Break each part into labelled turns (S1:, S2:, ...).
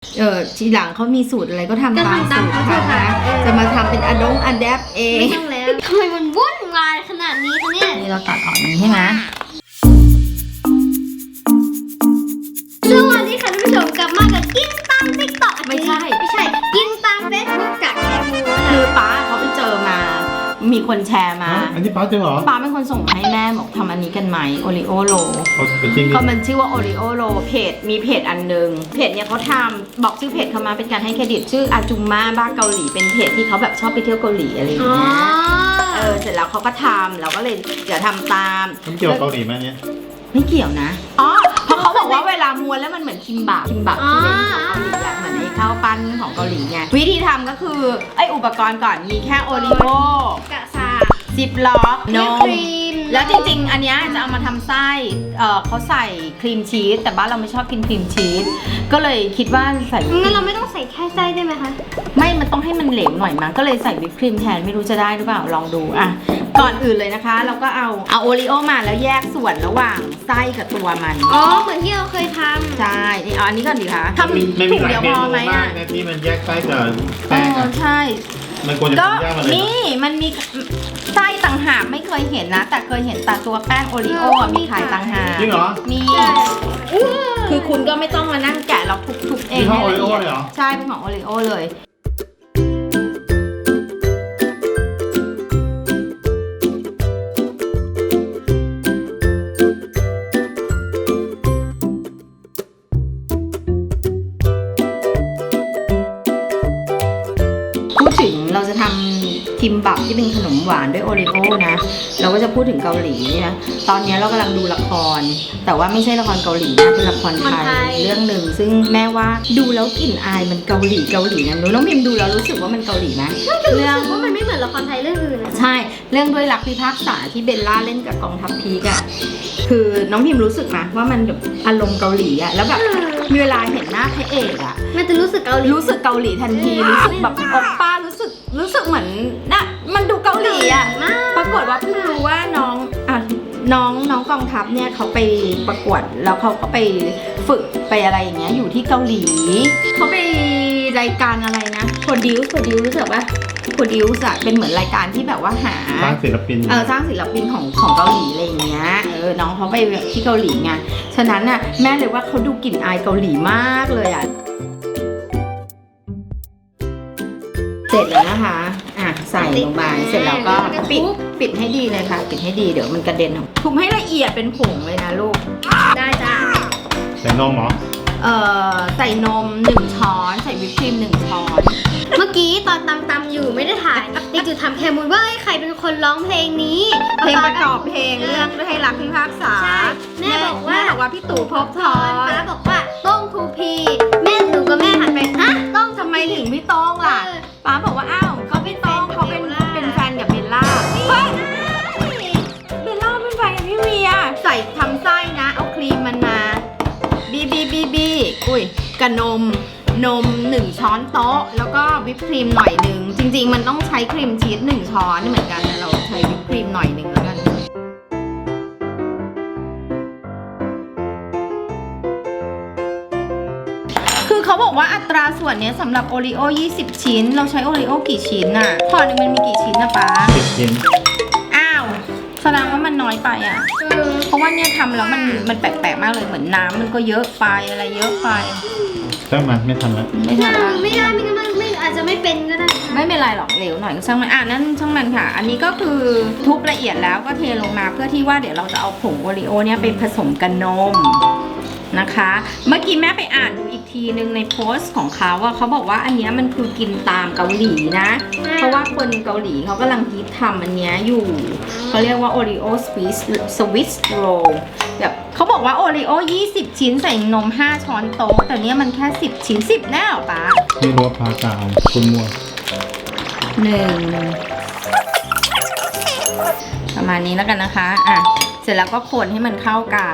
S1: ทีหลังเขามีสูตรอะไรก็ทำตามสูตรเขานะจะมาทำเป็นอันแดปเอง
S2: ไม่ต้องแล้วทำไมมันวุ่นวายขนาดนี้คะเนี่ย
S1: นี่เราตัดออกนี้ใช่ไหม
S2: สวัสดีค่ะท่านผู้ชมกลับมากับกินตามติ๊กต็อกไม่ใช่กินตามเฟซบุ๊กกับแคมูนะ
S1: คือป้าเขาไปเจอมามีคนแชร์มา
S3: อันนี้ป้าเจอเหรอ
S1: ป้าเป็นคนส่งมาให้แม่บอกทำอันนี้กันไหมโอริโอโล
S3: จริงดิ
S1: ก็มันชื่อว่าโอริโอโลมีเพจอันนึงเพจเนี่ยเขาทำบอกชื่อเพจเขามาเป็นการให้เครดิตชื่ออาจุมม่าบ้าเกาหลีเป็นเพจที่เขาแบบชอบไปเที่ยวเกาหลีอะไรอย่าง
S2: อ๋อ
S1: เงี้ยเสร็จแล้วเขาก็ทำเราก็เลยเดี๋ยวทำตาม
S3: มันเกี่ยวกับเกาหลีไหมเนี่ย
S1: ไม่เกี่ยวนะอ๋อเพราะเขาบอกว่าเวลาม้วนแล้วมันเหมือนคิมบับที่เป็นของเกาหลีอะเหมือนไอ้ข้าวปั้นของเกาหลีไงวิธีทำก็คือไอ้อุปกรณ์ก่อนมีแค่โอริโอก
S2: ะซา
S1: ซิปล็อกน
S2: ค
S1: ม
S2: รีม
S1: แล้วจริงๆ อันเนี้ยจะเอามาทำไส้เขาใส่ครีมชีสแต่บ้านเราไม่ชอบกินครีมชีสก็เลยคิดว่าใส่
S2: งั้นเราไม่ต้องใส่แค่ไส้ได้ไหมคะ
S1: ไม่มันต้องให้มันเหลวหน่อยมั้งก็เลยใส่วิปครีมแทนไม่รู้จะได้หรือเปล่าลองดูอ่ะก่อนอื่นเลยนะคะ เราก็เอาโอริโอมาแล้วแยกส่วนระหว่างไส้กับตัวมัน
S2: อ๋อเหมือนที่เราเคยทำ
S1: ใช่นี่เอาอันนี้ก่อนดีคะทำ
S3: ไม่
S1: ถุ
S3: มี
S1: ง
S3: หลาย
S1: เดียว
S3: เม
S1: พอ
S3: นู
S1: ไหม
S3: มา
S1: อ่ะ
S3: กนะที่มันแยกไส้กับแป้งอะ
S1: ใช่
S3: มันควรจะ
S1: ก็
S3: ทำยากมาเลย
S1: นี่มันมีไส้ต่างหากไม่เคยเห็นนะ แต่เคยเห็นแต่ตัวแป้งโอริโออะมีขายต่างหาก
S3: จริงเหรอ
S1: มี คือคุณก็ไม่ต้องมานั่งแกะเราทุบๆเอง
S3: ยี่ห้อ
S1: ให้ละเอียด
S3: Oreo เลยเหรอ
S1: ใช่เป็นของโอริโอเลยพูดถึงเราจะทำคิมบับที่เป็นขนมหวานด้วยโอริโอนะเราก็จะพูดถึงเกาหลีเนี่ยตอนนี้เรากำลังดูละคร แต่ว่าไม่ใช่ละครเกาหลีนะเป็นละครไทยเรื่องหนึ่งซึ่งแม่ว่าดูแล้วกลิ่นอายมันเกาหลีนะน้องพิมดูแล้วรู้สึกว่ามันเกาหลีไหม
S2: เรื่องว่ามันไม่เหมือนละครไทยเรื่องอื่นนะ
S1: ใช่เรื่องด้วยรักพิพากษาที่เบลล่าเล่นกับกองทัพพีกอะคือน้องพิมรู้สึกไหมว่ามันแบบอารมณ์เกาหลีอะแล้วแบบมีเวลาเห็นหน้าพระเอกอะ
S2: มันจะรู้สึกเกาหลี
S1: รู้สึกเกาหลีทันทีรู้สึกแบบโอปป้ารู้สึกเหมือนนะมันดูเกาหลีอะ
S2: มาก
S1: ปรากฏว่าเพิ่งรู้ว่าน้องกองทัพเนี่ยเขาไปประกวดแล้วเขาก็ไปฝึกไปอะไรอย่างเงี้ยอยู่ที่เกาหลีเขาไปรายการอะไรนะโปรดิวรู้สึกว่าโปรดิวส์อะเป็นเหมือนรายการที่แบบว่าหา
S3: สร้างศิลปิน
S1: สร้างศิลปินของเกาหลีอะไรอย่างเงี้ยน้องเขาไปที่เกาหลีไงฉะนั้นน่ะแม่เลยว่าเขาดูกลิ่นอายเกาหลีมากเลยอ่ะเสร็จแล้วนะคะใส่ลงไปเสร็จแล้วก็ปิดให้ดีเลยค่ะปิดให้ดีเดี๋ยวมันกระเด็นออกทุบให้ละเอียดเป็นผงเลยนะลูก
S2: ได้จ้า
S3: ใส่นมเหรอ
S1: ใส่นม1 ช้อนใส่วิปครีม1 ช้อน
S2: เมื่อกี้ตอนตำอยู่ไม่ได้ถ่ายเด็กจุดทำแคมูลว่าใครเป็นคนร้องเพลงนี้
S1: เพลงประกอบเพลงเรื่องด้วยให้รักพิพากษา
S2: ใช่แม่บอกว่า
S1: พี่ตู่ภพบท
S2: ตอ
S1: ร
S2: นป้าบอกว่าต้องทูพีแม่หนูกับแม่หันไปฮะต้อง
S1: ทำไมถึงพี่โต้งล่ะป้าบอกว่าอ้าวเขาพี่โต้งเขาเป็นแฟนกับเบลล่าเฮ้ยเบลล่าเป็นแฟนกับพี่เวียใส่ทำไส้นะเอาครีมมันมาบีอุ้ยกับนม1 ช้อนโต๊ะแล้วก็วิปครีมหน่อยนึงจริงๆมันต้องใช้ครีมชีส1 ช้อนเหมือนกันแต่เราใช้วิปครีมหน่อยนึงแล้วกันคือเขาบอกว่าอัตราส่วนเนี้ยสำหรับโอริโอ20 ชิ้นเราใช้โอริโอกี่ชิ้นน่ะพอนึงมันมีกี่ชิ้นนะป๊า
S3: 10 ชิ้น
S1: อ้าวแสดงว่ามันน้อยไปอ่ะเพราะว่าเนี่ยทำแล้วมันแปลกๆมากเลยเหมือนน้ำมันก็เยอะไปอะไรเยอะไป
S3: ช่างมันไม่ทันแล้ว
S1: ไม่ทันละ
S2: ไม่ได้ไม่งั้นมันไม่อาจจะไม่เป็นก็ได้
S1: ไม่เป็นไรหรอกเหลวหน่อยก็ช่างมันนั่นช่างมันค่ะ อันนี้ก็คือทุบละเอียดแล้วก็เทลงมาเพื่อที่ว่าเดี๋ยวเราจะเอาผงโอริโอเนี่ยไปผสมกับนมนะคะ เมื่อกี้แม่ไปอ่านดูอีกทีนึงในโพสต์ของเขาว่าเขาบอกว่าอันเนี้ยมันคือกินตามเกาหลีนะ เพราะว่าคนเกาหลีเขากำลังฮิตทำอันเนี้ยอยู่เขาเรียกว่าโอริโอสวิสโรลแบบเขาบอกว่าโอริโอ20 ชิ้นใส่นม5 ช้อนโต๊ะแต่เนี้ยมันแค่10 ชิ้น10แน่หรอป๊า
S3: ไม่รู้ว่าพากาวคุณมัว
S1: ประมาณนี้แล้วกันนะคะเสร็จแล้วก็คนให้มันเข้ากัน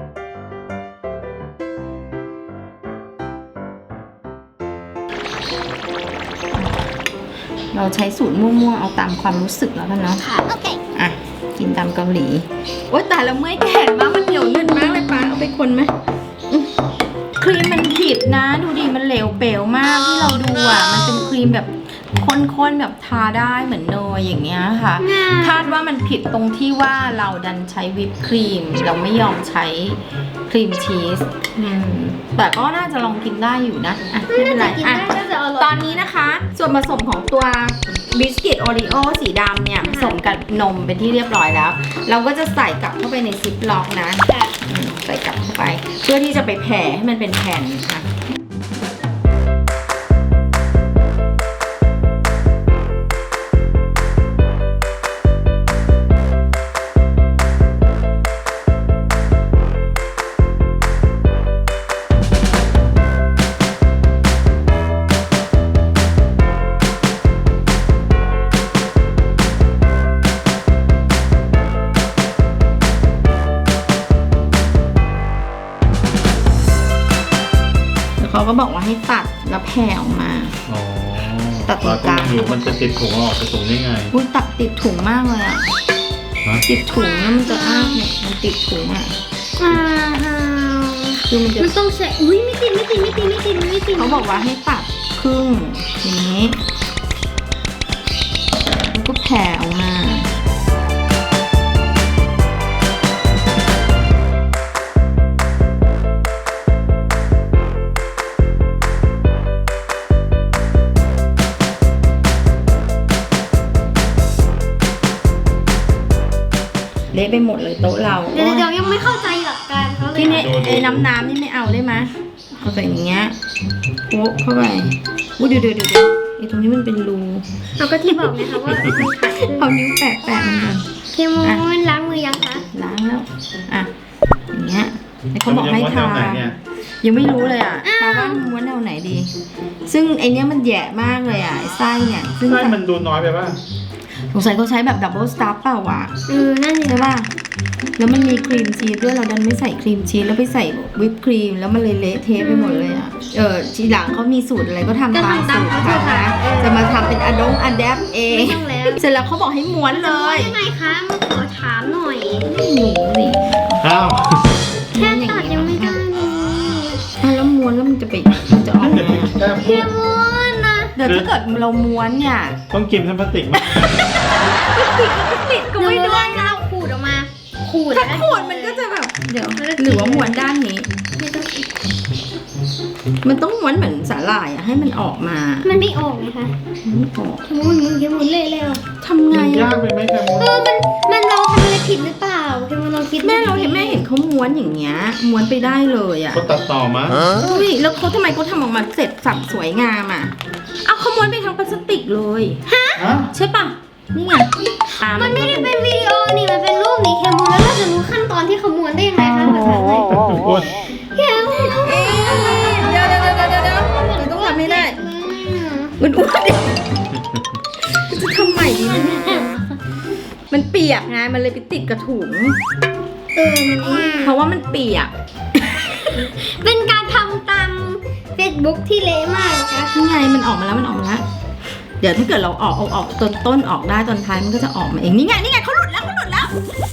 S1: เราใช้สูตรมั่วๆเอาตามความรู้สึกแล้วกันเนาะ
S2: ค่ะโอเค
S1: กินตามเกาหลีโอ๊ยแต่แล้วเมื่อยแขนมากมันเหนียวหนึบมากเลยป้าเอาไปคนไหมคครีมมันผิดนะดูดิมันเหลวเป๋วมากที่เราดูอ่ะมันเป็นครีมแบบข้นๆแบบทาได้เหมือนเนยอย่างเงี้ยค่ะคาดว่ามันผิดตรงที่ว่าเราดันใช้วิปครีมเราไม่ยอมใช้ครีมชีสแต่ก็น่าจะลองกินได้อยู่นะอ่ะไม่เป็นไร
S2: กิน
S1: อ่ะ
S2: ได้ก็จะอร่อย
S1: ตอนนี้นะคะ ส่วนผสมของตัวบิสกิตโอรีโอสีดำเนี่ยผสมกับนมเป็นที่เรียบร้อยแล้ว เราก็จะใส่กลับเข้าไปในซิปล็อกนะ
S2: ค่ะ
S1: ใส่กลับเข้าไป เพื่อที่จะไปแผ่ให้มันเป็นแผ่นค่ะเขาก็บอกว่าให้ตัดแล้วแผ่ออกมา
S3: อ๋อ
S1: ตัดตรงกลาง
S3: เรอยู่มันจะติดถุงออกจะถุงได้ไง
S1: อุ้ยตัดติดถุงมากเลยอ่ะ
S3: ฮะ
S1: ติดถุงแล้วมันจะอ้าเนี่ยมันติดถุงอ่ะคือมันจะ
S2: มันต้องใช้อุ้ยไม่ติด
S1: เขาบอกว่าให้ตัดครึ่งอย่างนี้แล้วก็แผ่ออกมาเละไปหมดเลยโต๊ะเรา
S2: เดี๋ยวยังไม่เข้าใจหลักการเขาเลย
S1: ที่นี่ไอ้น้ำนี่ไม่เอาได้ไหมเอาใส่อย่างเงี้ยโป๊ะเข้าไปอุ้ยเดี๋ยวไอ้ตรงนี้มันเป็นรู
S2: เราก็ที่บอกนะคะว่ามันขาด
S1: เอานิ้วแปะมันก่อน
S2: เคมูนล้างมือยังคะ
S1: ล้างแล้วอ่ะอย่างเงี้ยแต่เขาบอกให้
S3: แล้ว
S1: ทา
S3: มันจะม้วนแนวไหนเนี่ย
S1: ยังไม่รู้เลยอ่ะปาว่าม้วนแนวไหนดี ซึ่งไอเนี้ยมันแย่มากเลยอ่ะไอ้ไส้เนี่ยซึ่ง
S3: ไส้มันดูน้อยไปป่ะ
S1: สงสัยเขาใช้แบบดับเบิลสตาร์เปล่าวะ
S2: นั่นสิ
S1: ใช่ป่ะแล้วมันมีครีมชีสด้วยเราดันไม่ใส่ครีมชีสแล้วไปใส่วิปครีมแล้วมันเลยเละเทะไปหมดเลยอ่ะทีหลังเขามีสูตรอะไรก็ทำตามสูตรเขานะจะมาทำเป็นอะแดปเอง
S2: ไม่ต้องแล้ว
S1: เสร็จแล้วเขาบอกให้ม้วนเลย
S2: ยังไงคะมาขอถามหน่อย
S1: ไม่รู้สิ
S3: อ้าว
S2: แค่ตัดยังไม่ได้เลย
S1: แล้วม้วนแล้วมันจะออก
S3: จะ
S1: มา
S3: ติดแค่
S2: เค
S3: พูด
S2: มูนนะ
S1: เดี๋ยวถ้าเกิดเราม้วนเนี่ย
S3: ต้องกินทั้งพลาสติกไหม
S1: ติดก็
S2: หนู
S1: ไม่
S2: รู้
S1: ได้
S2: ว่าเราขูดออกมา ขูด
S1: ถ้าขูดมันก็จะแบบเดี๋ยวหรือว่าม้วนด้านนี้
S2: ไม่ต้อง
S1: มันต้องม้วนเหมือนสาหร่ายอะให้มันออกมา
S2: มันไม่ออกไงคะ
S1: ไม่ออก
S2: เคมูนเละแล้ว
S1: ทำไง
S3: มันยา
S1: อะ
S3: กไปไหมแคมูน
S2: มันเราทำอะไรผิดหรือเปล่าเคมูนเราคิด
S1: แม่เห็นเขาม้วนอย่างเงี้ยม้วนไปได้เลยอะ
S3: เขาตัดต่อมา
S1: อุ้ยแล้วเขาทำไมเขาทำออกมาเสร็จสับสวยงามอะเอาเขาม้วนไปทั้งพลาสติกเลย
S3: ฮะ
S1: ใช่ปะนี่ไง
S2: มันไม่ได้เป็นวิดีโอนี่มันเป็นรูปนี่เคมูนแล้วเราจะรู้ขั้นตอนที่ขมวนได้ยังไงคะภาษาไทย
S3: อ้วน
S2: เคมูน
S1: เดี๋ยวเราต้องทำให้ได้มันอ้วนดิจะทำใหม่ดีไหมเนี่ยมันเปียกไงมันเลยไปติดกระถุง เพราะว่ามันเปียก
S2: เป็นการทำตาม Facebook ที่เละมากนะคะ
S1: นี่ไงมันออกมาแล้วเดี๋ยวถ้าเกิดเราออกต้นออกได้ตอนท้ายมันก็จะออกมาเองนี่ไงเขาหลุดแล้ว
S2: ขนาดนั้น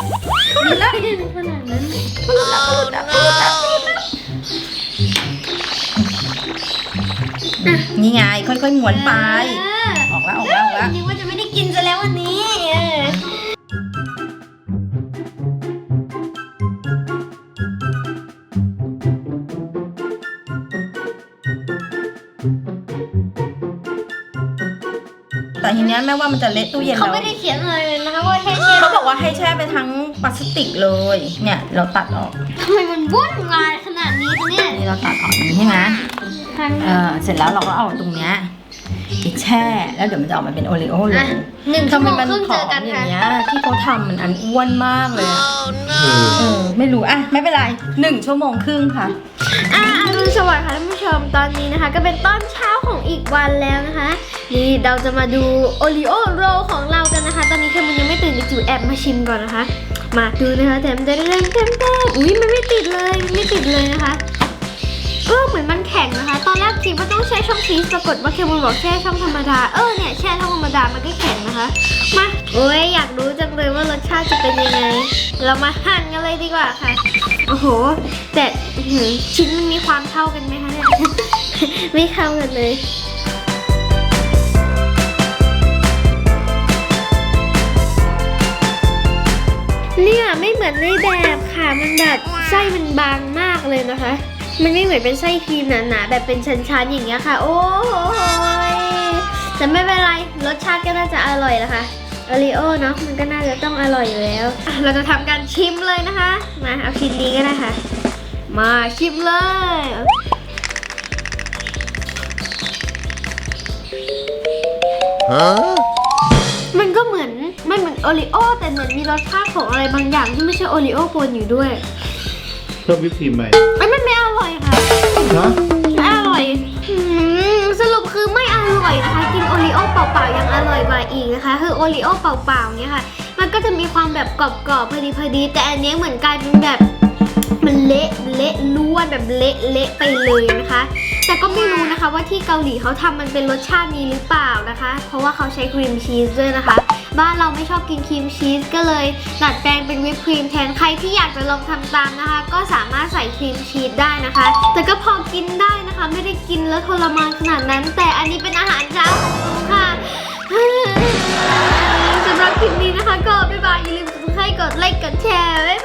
S1: นี่ไงค่อยๆม้วนไป ออกแล้ว
S2: นึกว่าจะไม่ได้กินซะแล้ววันนี้
S1: แต่ทีเนี้ยแม่ว่ามันจะเละตู้เย็น
S2: เขา
S1: เรา
S2: ไม่ได้เขียนอะไรเลยนะคะว่าแค่เชื่อ
S1: เขาบอกว่าให้แช่ไปทั้งพลาสติกเลย เนี่ยเราตัดออก
S2: ทำไมมันวุ่นวายขนาดนี้คะเนี่ย
S1: นี่เราตัดออกอย่างนี้ใช่ไหมเสร็จแล้วเราก็เอาตรงเนี้ยไปแช่แล้วเดี๋ยวมันจะออกมาเป็นโอรีโอเลย
S2: 1 ชั่วโมง
S1: มัน
S2: ครึ่ง
S1: ผ
S2: เจ
S1: อ
S2: อ
S1: ม
S2: กัน
S1: อ
S2: ค่ะ
S1: ย่างเงี้ยที่เขาทำมันอันอ้วนมากเลยอะ
S3: เออ
S1: ไม่รู้อ่ะไม่เป็นไร1 ชั่วโมงครึ่งค่ะ
S2: อรุณสวัสดิ์ค่ะท่านผู้ชมตอนนี้นะคะ ก็เป็นตอนเช้าของอีกวันแล้วนะคะ นี่เราจะมาดูโอรีโอโรลของเรากันนะคะ ตอนนี้แคมุนยังไม่ตื่นจิ๋วแอบมาชิมก่อนนะคะ มาดูนะคะเต็มอุ้ยมันไม่ติดเลยนะคะเหมือนมันแข็งนะคะ ตอนแรกคิดว่าต้องแช่ช่องชีสปรากฏว่าเคมูลบอกแช่ช่องธรรมดาเนี่ยแช่ช่องธรรมดามันก็แข็งนะคะมาโอ้ยอยากรู้จังเลยว่ารสชาติจะเป็นยังไงเรามาหั่นกันเลยดีกว่าค่ะโอ้โหแต่ชิ้นมันมีความเท่ากันไหมคะเนี่ย ไม่เข้ากันเลยเนี่ยไม่เหมือนในแบบค่ะมันแบบไส้มันบางมากเลยนะคะมันไม่เหมือนเป็นไส้ครีมหนาๆแบบเป็นชั้นๆอย่างเงี้ยค่ะโอ้ยแต่ไม่เป็นไรรสชาติก็น่าจะอร่อยแล้วค่ะโอริโอเนาะมันก็น่าจะต้องอร่อยอยู่แล้วเราจะทำการชิมเลยนะคะมาเอาชิ้นนี้ก็ได้ค่ะมาชิมเลยมันก็เหมือนโอริโอแต่เหมือนมีรสชาติของอะไรบางอย่างที่ไม่ใช่โอริโอปนอยู่ด้วย
S3: เพิ่มวิปครีมไหม
S2: มันไม่อร่อยค่ะ
S3: ฮะ
S2: ไม่อร่อยสรุปคือไม่อร่อยนะคะกินโอริโอเปล่าๆยังอร่อยกว่าอีกนะคะคือโอริโอเปล่าๆเนี่ยค่ะมันก็จะมีความแบบกรอบๆพอดีแต่อันนี้เหมือนกลายเป็นแบบมันเละล้วนแบบเละไปเลยนะคะแต่ก็ไม่รู้นะคะว่าที่เกาหลีเขาทำมันเป็นรสชาตินี้หรือเปล่านะคะเพราะว่าเขาใช้ครีมชีสด้วยนะคะบ้านเราไม่ชอบกินครีมชีสก็เลยดัดแปลงเป็นวิปครีมแทนใครที่อยากจะลองทำตามนะคะก็สามารถใส่ครีมชีสได้นะคะแต่ก็พอกินได้นะคะไม่ได้กินแล้วทรมานขนาดนั้นแต่อันนี้เป็นอาหารเช้าของหนูค่ะ สำหรับคลิปนี้นะคะก็บ๊ายบายอย่าลืมกดไลค์กดแชร์บ๊าย